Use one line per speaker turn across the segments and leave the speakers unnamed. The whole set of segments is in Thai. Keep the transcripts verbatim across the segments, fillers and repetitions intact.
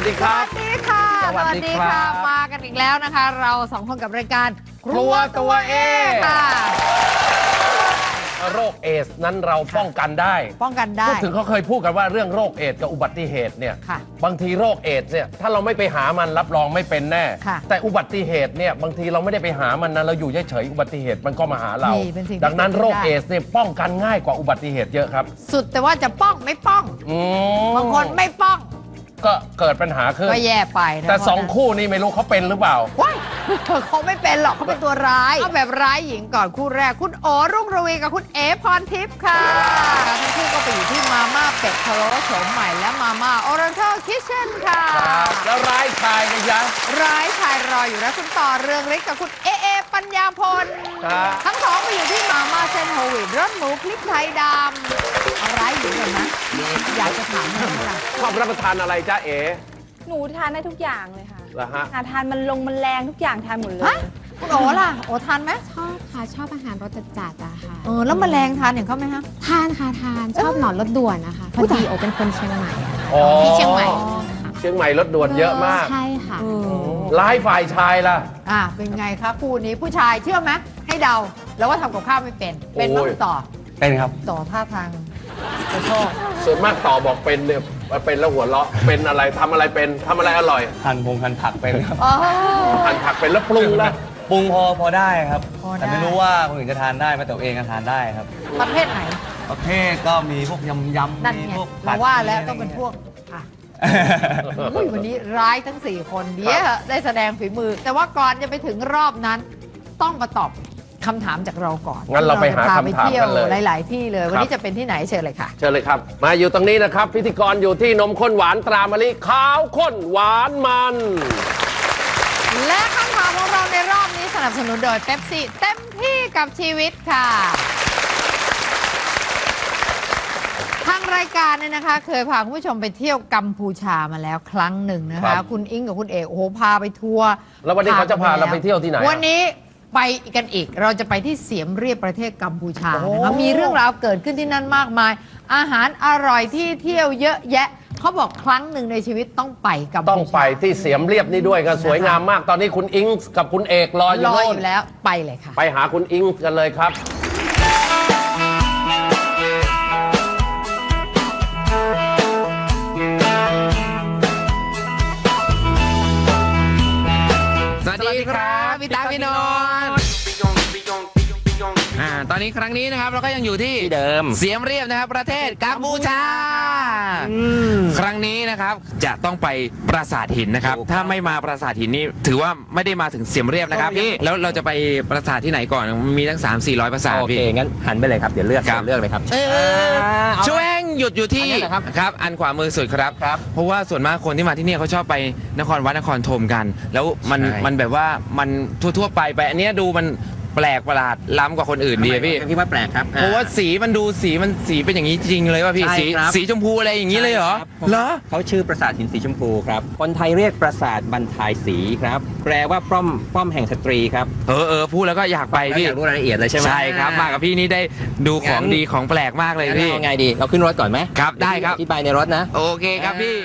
ดีครับ
สวัสดีค่ะสวัสดีค่ะมากันอีกแล้วนะคะ เราสองคนกับรายการ
ครัวตัวเอ
ค่ะ
โรคเอดส์นั้นเราป้องกันได้
ป้องกันได้
พูดถึงเขาเคยพูดกันว่าเรื่องโรคเอดส์กับอุบัติเหตุเนี่ยบางทีโรคเอดส์เนี่ยถ้าเราไม่ไปหามันรับรองไม่เป็นแน่แต่อุบัติเหตุเนี่ยบางทีเราไม่ได้ไปหามันนะเราอยู่เฉยๆอุบัติเหตุมันก็มาหาเราดังนั้นโรคเอดส์เนี่ยป้องกันง่ายกว่าอุบัติเหตุเยอะครับ
สุดแต่ว่าจะป้องไม่ป้องบางคนไม่ป้อง
ก็เกิดปัญหาขึ้น
ก็แย่ไปนะ
แต่สองคู่นี้ไม่รู้เขาเป็นหรือเปล่า
ว้ายเขาไม่เป็นหรอกเขาเป็นตัวร้ายเอาแบบร้ายหญิงก่อนคู่แรกคุณโอรุ่งระวีกับคุณเอพรทิพย์ค่ะทั้งคู่ก็ไปอยู่ที่มาม่าเป็ดพะโล้โฉมใหม่และมาม่าออเรนทัลคิทเช่นค่ะ
แล้วร้ายชายนะจ๊ะ
ร้ายชายรออยู่นะคุณต่อเรืองเล็กกับคุณเอเอปัญญาพลทั้งสองไปอยู่ที่มาม่าเซนโฮวิดรสหมูพริกไทยดำเอาร้ายหญิงก่อนนะอยากจะถามอะไรล่ะ
ชอบรับประทานอะไรจ๊ะเอ๋
หนูทานได้ทุกอย่างเลยค่ะ
เหรอฮะ
ทานมันลงมันแรงทุกอย่างทานหมดเลย
คุณโอล่ะโอทานไหม
ชอบค่ะชอบอาหารรสจัดๆอะค่ะ
เออแล้วแมลงทานอย่างเขาไหมคะ
ทานค่ะทานชอบหนอนรสด่วนนะคะพอดีโอเป็นคนเชียงใหม่
ที่เชียงใหม่
เชียงใหม่รถด่วนเยอะมาก
ใช่ค่ะ
ร้ายฝ่ายชายล่ะ
อ่าเป็นไงคะคู่นี้ผู้ชายเชื่อไหมให้เดาแล้วว่าทำกับข้าวไม่เป็นเป็นมั้งต่อ
เป็นครับ
ต่อท่าทางจะชอบ
ส่วนมากต่อบอกเป็นเนี่ยเป็นแล้วหัวเราะเป็นอะไรทำอะไรเป็นทำอะไรอร่อย
หั่นพงหั่นผักเป็นครับ
หั่นผักเป็นแล้วปรุงนะ
ปรุงพอพอได้ครับแต่ไม่รู้ว่าคนอื่นจะทานได้ไหมแต่ตัวเองทานได้ครับ
ประเภทไหน
ประเภทก็มีพวกยำยำ
มีพวกมาว่าแล้วต้องเป็นพวกค่ะวันนี้ร้ายทั้งสี่คนเดี๋ยวได้แสดงฝีมือแต่ว่าก่อนจะไปถึงรอบนั้นต้องมาตอบคำถามจากเราก่อน
งั้นเราไปหาคำถามกันเลย
หลายๆที่เลยวันนี้จะเป็นที่ไหนเชิญเลยค่ะ
เชิญเลยครับมาอยู่ตรงนี้นะครับพิธีกรอยู่ที่นมข้นหวานตรามะลิขาวข้นหวานมัน
และคำถามของเราในรอบนี้สนับสนุนโดยเป๊ปซี่เต็มที่กับชีวิตค่ะทางรายการเนี่ยนะคะเคยพาคุณผู้ชมไปเที่ยวกัมพูชามาแล้วครั้งหนึ่งนะคะคุณอิงกับคุณเอกโอ้โหพาไปทัวร์
แล้ววันนี้เขาจะพาเราไปเที่ยวที่ไหน
วันนี้ไปกันอีกเราจะไปที่เสียมเรียบประเทศกัมพูชานะคะมีเรื่องราวเกิดขึ้นที่นั่นมากมายอาหารอร่อยที่เที่ยวเยอะแยะเขาบอกครั้งหนึ่งในชีวิตต้องไปกัมพูชา
ต้องไปที่เสียมเรียบนี่ด้วยกันสวยงามมากตอนนี้คุณอิงกับคุณเอกรออยู่โน่น
แล้วไปเลยค่ะ
ไปหาคุณอิงกันเลยครับ
สวัสดีครับพี่ตาพี่นนท์อ่าตอนนี้ครั้งนี้นะครับเราก็ยังอยู่ที่
เดิม
เสียมเรียบนะครับประเทศกัมพูชาครั้งนี้นะครับจะต้องไปปราสาทหินนะครับถ้าไม่มาปราสาทหินนี่ถือว่าไม่ได้มาถึงเสียมเรียบนะครับพี่แล้วเราจะไปปราสาทที่ไหนก่อนมีทั้ง สามสี่ร้อย ปราสาทพี่
โอเคงั้นหันไปเลยครับเดี๋ยวเลือกเลือกเลยครับ
ช่วยหยุดอยู่ที่ครับอันขวามือสุดครับเพราะว่าส่วนมากคนที่มาที่นี่เขาชอบไปนครวัดนครธมกัน แล้วมันมันแบบว่ามันทั่วๆไปไปอันนี้ดูมันแปลกประหลาดล้ำกว่าคนอื่นดีพี่
พี่ว่าแปลกครับ
เพราะว่าสีมันดูสีมันสีเป็นอย่างนี้จริงเลยว่าพี่สีสีชมพูอะไรอย่างนี้เลยเหรอเหรอ
เขาชื่อปราสาทหินสีชมพูครับคนไทยเรียกปราสาทบรรทายสีครับแปลว่าป้อมป้อมแห่งสตรีครับ
เออเออพูดแล้วก็อยากไปพี่
อยากรู้รายละเอียดเลยใช่ไหม
ใช่ครับมากับพี่นี่ได้ดูของดีของแปลกมากเลยพี่
ไงดีเราขึ้นรถก่อนไหม
ครับได้ครับ
ที่ไปในรถนะ
โอเคครับพี่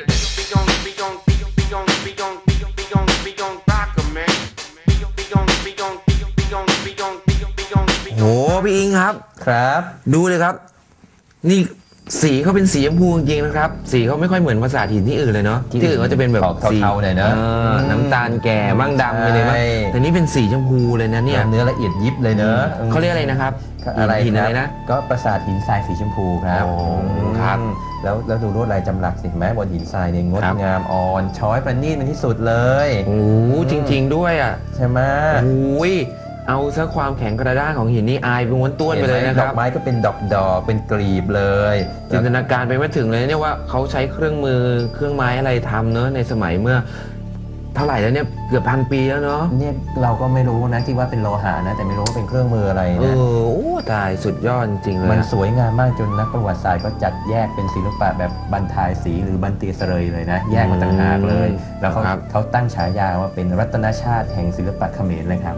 โอ้พี่อิงครับ
ครับ
ดูเลยครับนี่สีเขาเป็นสีชมพูจริงๆนะครับสีเขาไม่ค่อยเหมือนปราสาทหินที่อื่นเลยเนาะที่อื่นเขาจะเป็นแบบ
สีเทาๆหน่อยเนาะ
น้ำตาลแก่บ้างดำไปเลยมั้งแต่นี่เป็นสีชมพูเลยนะเนี่ย
เนื้อละเอียดยิบเลยเนอะ
เขาเรียกอะไรนะครับ
อะไร
หินอะไรนะ
ก็ปราสาทหินทรายสีชมพูครับ
ครับ
แล้วแล้วดูลวดลายจำหลักสิแม้บนหินทรายเนี่ยงดงามอ่อนช้อยประณีตเป็นที่สุดเลย
โอ้จริงๆด้วยอ่ะ
ใช่ไหม
โอ้ยเอาซะความแข็งกระด้างของหินนี่อายเป็นม้วนต้วนไปเลยนะครับ
ดอกไม้ก็เป็นดอกดอกเป็นกลีบเลย
จินตนาการไปไม่ถึงเลยเนี่ยว่าเขาใช้เครื่องมือเครื่องไม้อะไรทำเนอะในสมัยเมื่อเท่าไหร่แล้วเนี่ยเกือบพันปีแล้วเนาะ
เนี่ยเราก็ไม่รู้นะที่ว่าเป็นโลหะนะแต่ไม่รู้ว่าเป็นเครื่องมืออะไรนะ
เออโอ้ตายสุดยอดจริงเลย
มันสวยงามมากจนนักประวัติศาสตร์ก็จัดแยกเป็นศิลปะแบบบรรทายสีหรือบันเตียเสรยเลยนะแยกมาต่างหากเลยแล้วเขาเขาตั้งฉายาว่าเป็นรัตนชาติแห่งศิลปะเขมรเลยครับ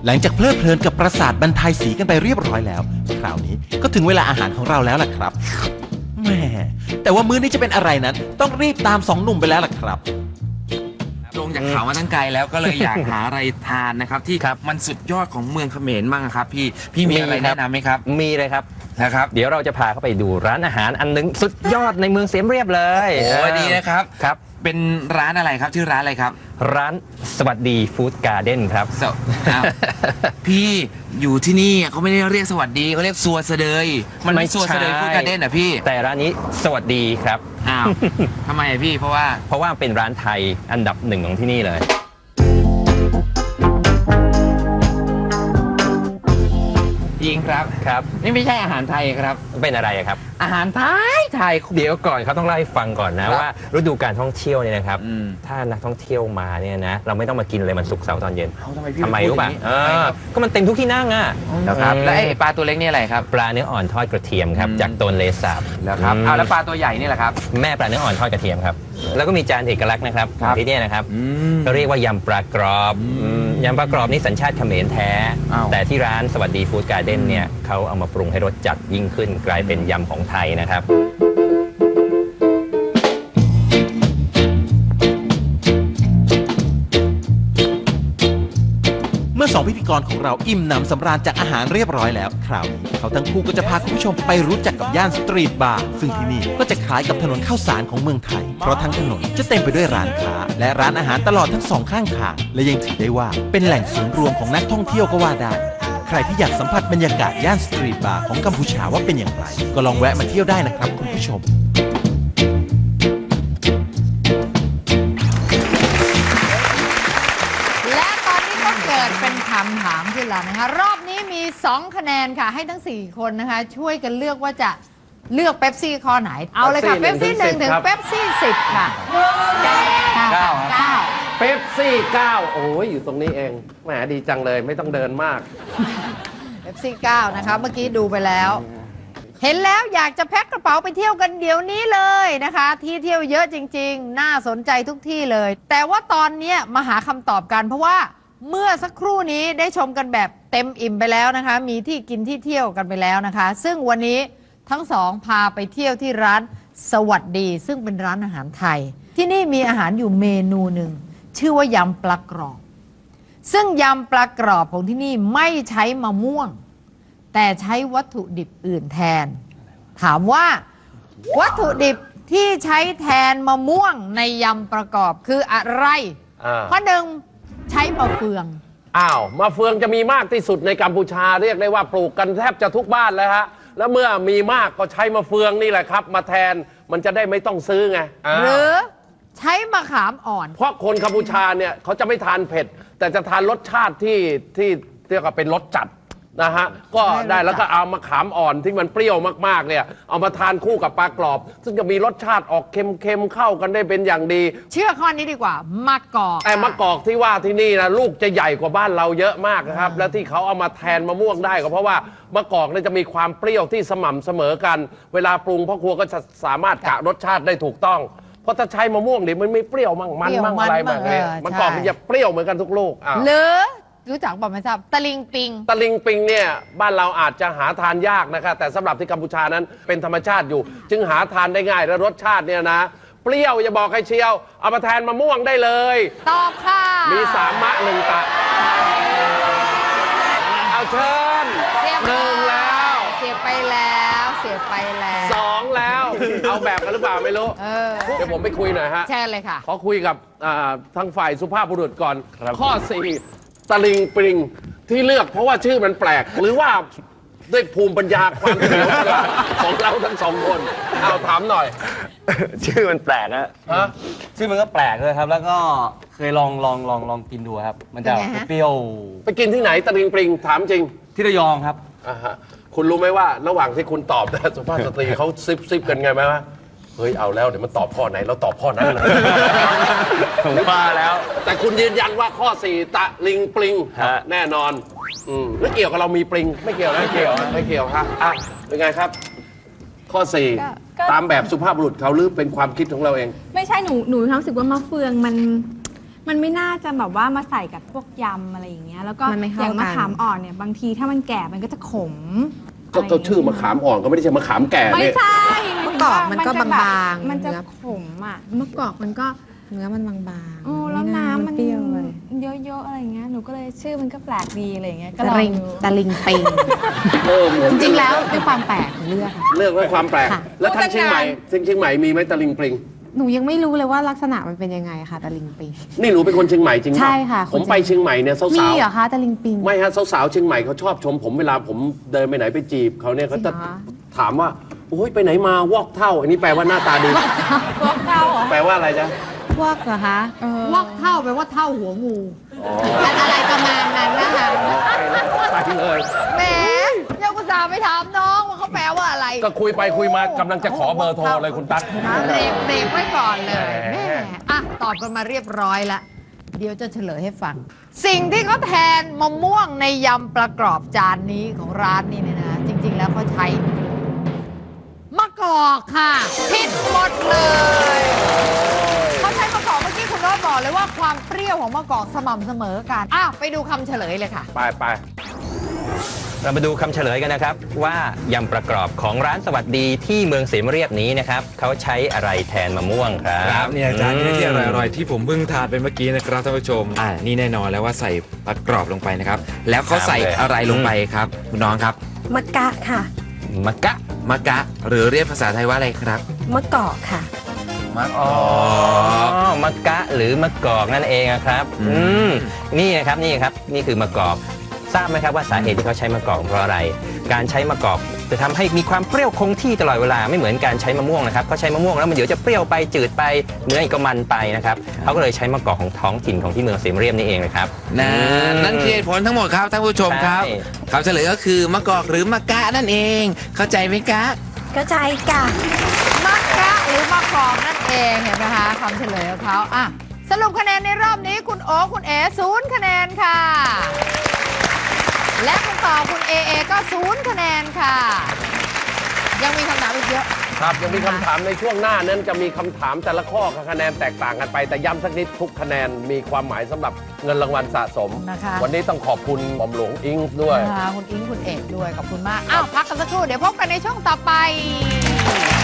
หลังจากเพลิดเพลินกับปราสาทบรรทายสีกันไปเรียบร้อยแล้ว คราวนี้ก็ถึงเวลาอาหารของเราแล้วล่ะครับแหม่แต่ว่ามื้อนี้จะเป็นอะไรนั้น ต้องรีบตามสองหนุ่มไปแล้วล่ะครับ
ลงจากเขามาตั้งไกลแล้วก็เลยอยากหาอะไรทานนะครับ ที่มันสุดยอดของเมืองเขมรบ้างครับพี่พี่มีอะไรแนะนำไหมครับ
มีเลยครับ
นะครับ
เดี๋ยวเราจะพาเข้าไปดูร้านอาหารอันหนึงสุดยอดในเมืองเสียมเรียบเลย
โอ้ยดีนะครับ
ครับ
เป็นร้านอะไรครับชื่อร้านอะไรครับ
ร้านสวัสดีฟู้ดการ์เด้นครับ
สวอ้าวพี่อยู่ที่นี่เขาไม่ได้เรียกสวัสดีเขาเรียกซัวเสดยมันไม่ซัวเสดยฟู้ดการ์เด้นอ่ะพี่
แต่ร้านนี้สวัสดีครับ
อ้าวทำไมอะพี่เพราะว่า
เพราะว่าเป็นร้านไทยอันดับหนึ่งของที่นี่เลย
จริงครับ
ครับ
นี่ไม่ใช่อาหารไทยครับ
เป็นอะไรอะครับ
อาหารไทยไทย
เดี๋ยวก่อนเขาต้องเล่าให้ฟังก่อนนะครับ ว่าฤดูการท่องเที่ยวเนี่ยนะครับ
อืม
ถ้านักท่องเที่ยวมาเนี่ยนะเราไม่ต้องมากินเลยมันศุกร์เสาร์ตอนเย็น
เอาทำไมพี่
ทำไม
พูด
รู้ป่ะ
อย่างนี้
เอ
ทำไม
อ
ครับ
ก็มันเต็มทุกที่นั่งอ่ะ
นะครับ
อืม
แล้วไอ้ปลาตัวเล็กนี่อะไรครับ
ปลาเนื้ออ่อนทอดกระเทียมครับ
อืม
จากโตนเลสาบ
แล้วครับ
ม
เอาแล้วปลาตัวใหญ่นี่แหละครับ
แม่ปลาเนื้ออ่อนทอดกระเทียมครับแล้วก็มีจานเอกลักษณ์นะครับ
ครับ
ที่เนี่ยนะครับ
อืม
ก็เรียกว่ายำปลากรอบอืมยำปลากรอบนี่สัญชาติเขมรแท้
อ้าว
แต่ที่ร้านสวัสดีฟู้ดการ์เด้นเนี่ยเขาเอามาปรุงให้รสจัดยิ่งขึ้นกลายเป็นยำของไทยนะครับ
เมื่อสองพิธีกรของเราอิ่มหนำสำราญจากอาหารเรียบร้อยแล้ว คราวนี้เขาทั้งคู่ก็จะพาคุณผู้ชมไปรู้จักกับย่านสตรีทบาร์ซึ่งที่นี่ก็จะคล้ายกับถนนข้าวสารของเมืองไทย เพราะทั้งถนนจะเต็มไปด้วยร้านค้า และร้านอาหารตลอดทั้งสองข้างทางและยังถือได้ว่าเป็นแหล่งศูนย์รวมของนักท่องเที่ยวก็ว่าได้ ใครที่อยากสัมผัสบรรยากาศย่านสตรีทบาร์ของกัมพูชาว่าเป็นอย่างไร ก็ลองแวะมาเที่ยวได้นะครับคุณผู้ชม
และตอนนี้ก็เกิดเป็นคำถามขึ้นแล้วนะคะ รอบนี้มี สอง คะแนนค่ะ ให้ทั้ง สี่ คนนะคะ ช่วยกันเลือกว่าจะเลือกเป๊ปซี่ข้อไหน เอาเลยค่ะ เป๊ปซี่หนึ่งถึงเป๊ปซี่สิบค่ะเก้า
เก้า
เก้า
เป๊ปซี่เก้าโอ้ยอยู่ตรงนี้เองแหมดีจังเลยไม่ต้องเดินมาก
เป๊ปซี่เก้านะคะเมื่อกี้ดูไปแล้ว เห็นแล้วอยากจะแพ็คกระเป๋าไปเที่ยวกันเดี๋ยวนี้เลยนะคะ ที่เที่ยวเยอะจริงๆ น่าสนใจทุกที่เลย แต่ว่าตอนเนี้ยมาหาคำตอบกันเพราะว่าเมื่อสักครู่นี้ได้ชมกันแบบเต็มอิ่มไปแล้วนะคะ มีที่กินที่เที่ยวกันไปแล้วนะคะ ซึ่งวันนี้ทั้งสองพาไปเที่ยวที่ร้านสวัสดี ซึ่งเป็นร้านอาหารไทย ที่นี่มีอาหารอยู่เมนูหนึ่งชื่อว่ายำปลากรอบ ซึ่งยำปลากรอบของที่นี่ไม่ใช้มะม่วง แต่ใช้วัตถุดิบอื่นแทน ถามว่าวัตถุดิบที่ใช้แทนมะม่วงในยำประกอบคืออะไร
อ่า
ข้อหนึ่งใช้มะเฟือง
อ้าวมะเฟืองจะมีมากที่สุดในกัมพูชาเรียกได้ว่าปลูกกันแทบจะทุกบ้านแล้วฮะแล้วเมื่อมีมากก็ใช้มะเฟืองนี่แหละครับ มาแทนมันจะได้ไม่ต้องซื้อไงา
หรือใช้มะขามอ่อน
เพราะคนกัมพูชาเนี่ยเขาจะไม่ทานเผ็ด แต่จะทานรสชาติที่ที่เรียกว่าเป็นรสจัดนะฮะก็ได้แล้วก็เอามะขามอ่อนที่มันเปรี้ยวมากๆเนี่ยเอามาทานคู่กับปลากรอบ ซึ่งจะมีรสชาติออกเค็มๆเข้ากันได้เป็นอย่างดี
เชื่อข้อนี้ดีกว่ามะกอก
แต่มะกอกที่ว่าที่นี่นะลูกจะใหญ่กว่าบ้านเราเยอะมากนะครับ และที่เขาเอามาแทนมะม่วงได้ก็เพราะว่ามะกอกเนี่ยจะมีความเปรี้ยวที่สม่ำเสมอกัน เวลาปรุงพ่อครัวก็จะสามารถกะรสชาติได้ถูกต้อง เพราะถ้าใช้มะม่วงเนี่ยมันไม่เปรี้ยวมั่งมันมั่งอะไรมั่งเนี่ยมะกอกมันจะเปรี้ยวเหมือนกันทุกลูกอ้าว
หรือรู้จักบอกไม่ทราบตะลิงปิง
ตะลิงปิงเนี่ยบ้านเราอาจจะหาทานยากนะครับแต่สำหรับที่กัมพูชานั้นเป็นธรรมชาติอยู่ จึงหาทานได้ง่ายและรสชาติเนี่ยนะ เปรี้ยวอย่าบอกใครเชียว เอามาแทนมะม่วงได้เลย
ตอบค่ะ
มีสามมะหนึ่งตะ เอาเชิญ
เสียบ
หนึ่งแล้ว
เสียบไปแล้วเสียบไปแล้ว
สองแล้ว เอาแบบกันหรือเปล่าไม่รู้
เออ
เดี๋ยวผมไปคุยหน่อยฮะ
แช่เลยค่ะ
ขอคุยกับอ่าทางฝ่ายสุภาพบุรุษก่อน ข้อสี่ตะลิงปริงที่เลือกเพราะว่าชื่อมันแปลก หรือว่าด้วยภูมิปัญญาความเฉลียวฉลาดของเราทั้งสองคน เอาถามหน่อย
ชื่อมันแปลกนะ
ฮะ
ชื่อมันก็แปลกเลยครับ แล้วก็เคยลองลองลองลองกินดูครับ มันจะ
เป็นไงฮะ
เปรี้ยว
ไปกินที่ไหนตะลิงปริงถามจริง
ที่ระยองครับ
อ่าฮะคุณรู้ไหมว่าระหว่างที่คุณตอบนะสุภาพสตรีเขาซิบซิบกันไงไหมวะเฮ้ยเอาแล้วเดี๋ยวมันตอบข้อไหนเราตอบข้อนั้นเลย
ผมว่าแล้ว
แต่คุณยืนยันว่าข้อสี่ตะลิงปลิง
ฮะ
แน่นอนอืมแล้วเกี่ยวกับเรามีปลิง ไม่เกี่ยวนะไม่เกี่ยวไม่เกี่ยวฮะอ่ะเป็นไงครับ ข้อสี่
ก็ก็
ตามแบบสุภาพบุรุษเขาหรือเป็นความคิดของเราเอง
ไม่ใช่หนูหนูมีความรู้สึกว่ามะเฟืองมันมันไม่น่าจะแบบว่ามาใส่กับพวกยำอะไรอย่างเงี้ยแล้วก็
มันไม่เข้า
อย่างมะ
กัน
ขามอ่อนเนี่ยบางทีถ้ามันแก่มันก็จะขม
ก็ก็ชื่อมะขามอ่อนก็ไม่ได้ใช่มะขามแก่
ไม่
เนี่ย
ใช่
มะกอกมันก็
จะแบบ
บางๆ
มันจะ
เนื้อ
ขมอ่ะ
มะกอกมันก็เนื้อมันบางๆ
โอ้แล้ว
ไา
น้ำมัน
เปรี้ยวเลย
เยอะๆอะไรอย่างเงี้ยหนูก็เลยชื่อมันก็แปลกดีอะไรอย่างเงี้ยก็
ตะ
ลอง
ลิง
ดู
ตะลิงปิง
เออเหมือน
จริงๆแล้วด้วยความแปลกของเลือกค่ะ
เลือกไว้ความแปลก
ค่ะ
แล้วทางเชียงใหม่ทางเชียงใหม่มีไหมตะลิงปลิง
หนูยังไม่รู้เลยว่าลักษณะมันเป็นยังไงค่ะตะลิงปิง
นี่หนูเป็นคนเชียงใหม่จริงป
ใช่ค่ะ
ผม
คนเชียง
ไปเชียงใหม่เนี่ยสาว
มี
ๆ
เหรอคะตะลิงปิง
ไม่ฮะสาวๆเชียงใหม่เขาชอบชมผมเวลาผมเดินไปไหนไปจีบเขาเนี่ยเขาจะ
จริงเหรอ
ถามว่าโอ้ยไปไหนมาวอกเท่า อันนี้แปลว่าหน้าตาดี
พวกเก้าเหรอ
แปลว่าอะไรจ๊ะ
พวกเหรอคะ
วอกเท่าแปลว่าเท่าหัวงู
อ๋อ
อะไรประมาณนั้นนะคะ
ไปเลย
แหมยังอุตส่าห์ไปถามน้องว่าเขาแปลว่าอะไร
ก็คุยไปคุยมากำลังจะขอเบอร์โทรเลยคุณตั๊ก
นะเบรกเบรกไว้ก่อนเลย
แหม
แม่อ่ะตอบกันมาเรียบร้อยละเดี๋ยวจะเฉลยให้ฟัง สิ่งที่เขาแทนมะม่วงในยำประกอบจานนี้ของร้านนี้เนี่ยนะ จริง ๆ แล้วเขาใช้มะกอกค่ะผิดหมดเลยเขาใช้มะกอกเมื่อกี้คุณโน้ตบอกเลยว่าความเปรี้ยวของมะกอกสม่ำเสมอกันอ่ะไปดูคำเฉลยเลยค่ะ
ไปไป
เรามาดูคำเฉลยกันนะครับ ว่ายำประกอบของร้านสวัสดีที่เมืองเสมเรียบนี้นะครับเขาใช้อะไรแทนมะม่วงครับ
ครับเนี่ยจานนี้ที่อ
ม
ร่อยๆที่ผมเพิ่งทานไปเมื่อกี้นะครับท่านผู้ชมอ่านี่แน่นอนแล้วว่าใส่ปลากรอบลงไปนะครับ แล้วเขาใส่อะไรลงไปครับคุณน้องครับ
มะกะค่ะ
มะกะ
มะกะ หรือเรียกภาษาไทยว่าอะไรครับ
มะกอกค่ะ
มะก
อ๋อ
อก
มะกะหรือมะกอกนั่นเองอะครับ
อืม
อืมนี่นะครับนี่ครับนี่คือมะกอกทราบไหมครับว่าสาเหตุที่เขาใช้มะกอกเพราะอะไร การใช้มะกอกจะทำให้มีความเปรี้ยวคงที่ตลอดเวลาไม่เหมือนการใช้มะม่วงนะครับเขาใช้มะม่วงแล้วมันเดี๋ยวจะเปรี้ยวไปจืดไปเนื้ออีกก็มันไปนะครับเขาก็เลยใช้มะกอกของท้องถิ่นของที่เมืองเสมเรียบนี่เองนะครับ
นะนั่นคือเหตุผลทั้งหมดครับท่านผู้ชมครับ
ใช่
คำเฉลยก็คือมะกอกหรือมะกะนั่นเอง เข้าใจไหมกะ
ก็ใจกะ
มะกะหรือมะกอกนั่นเองเห็นไหมคะคำเฉลยของเขาอ่ะสรุปคะแนนในรอบนี้คุณโอคุณเอศูนย์คะแนนค่ะ และคุณต่อคุณเอเอก็ศูนย์คะแนนค่ะ ยังมีคำถามอีกเยอะ
ครับยังมีคำถามในช่วงหน้านั้นจะมีคำถามแต่ละข้อกับคะแนนแตกต่างกันไป แต่ย้ำสักนิดทุกคะแนนมีความหมายสำหรับเงินรางวัลสะสม
นะคะ
วันนี้ต้องขอบคุณหม่อมหลวงอิงด้วย
นะคะคุณอิงคุณเอกด้วยขอบคุณมาก อ้าว พักกันสักครู่ เดี๋ยวพบกันในช่วงต่อไป